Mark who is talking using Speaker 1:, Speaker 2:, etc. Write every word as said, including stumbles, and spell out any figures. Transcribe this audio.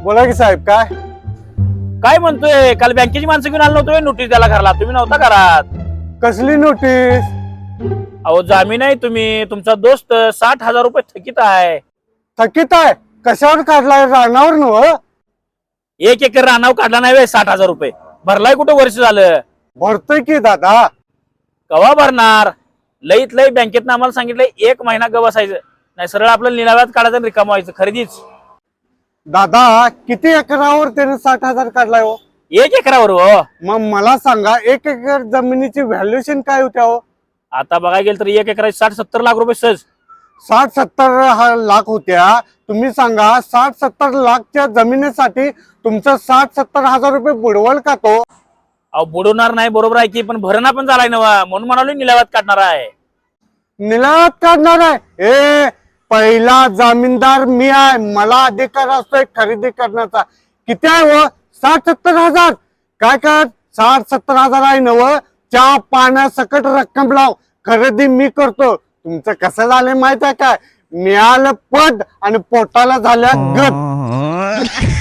Speaker 1: बोला की साहेब, काय
Speaker 2: काय म्हणतोय? काल बँकेची माणसं घेऊन आलो नव्हतो नोटीस द्यायला घरला, तुम्ही नव्हता घरात.
Speaker 1: कसली नोटीस?
Speaker 2: अहो जामीन आहे, तुम्ही तुमचा दोस्त साठ हजार रुपये थकीत आहे.
Speaker 1: थकीत आहे? कशावर काढलाय? रानावर नव?
Speaker 2: एक एकर रानाव काढला नाही व्हय साठ हजार रुपये? भरलाय कुठं वर्ष झालं?
Speaker 1: भरतोय की दादा.
Speaker 2: कवा भरणार? लईत लई बँकेत आम्हाला सांगितलंय एक महिना ग बसायचं, नाही सरळ आपलं निलाव्यात काढायचं आणि रिकाम व्हायचं. खरेदीच
Speaker 1: दादा, किती एकरावर त्याने साठ हजार काढलाय हो?
Speaker 2: एक एकरावर हो.
Speaker 1: मग मला सांगा, एक एकर जमिनीची व्हॅल्युएशन काय होत्या हो?
Speaker 2: आता बघायला गेलं तर एक एकराची साठ सत्तर लाख रुपये सहज.
Speaker 1: साठ सत्तर हा लाख होत्या. तुम्ही सांगा, साठ सत्तर लाखच्या जमिनीसाठी तुमचं साठ सत्तर हजार रुपये बुडवल का तो?
Speaker 2: अहो बुडवणार नाही, बरोबर आहे की, पण भरणा पण झालाय नवा, म्हणून म्हणालो निलाव्यात काढणार आहे.
Speaker 1: निलावात काढणार आहे? ए, पहिला जामीनदार मी आहे, मला अधिकार असतोय खरेदी करण्याचा. किती आहे हो? साठ सत्तर हजार. काय कर, साठ सत्तर हजार आहे नव, चहा पाण्यासकट रक्कम लाव, खरेदी मी करतो. तुमचं कसं झालंय माहित आहे काय? मिळालं पद आणि पोटाला झाल्या गट.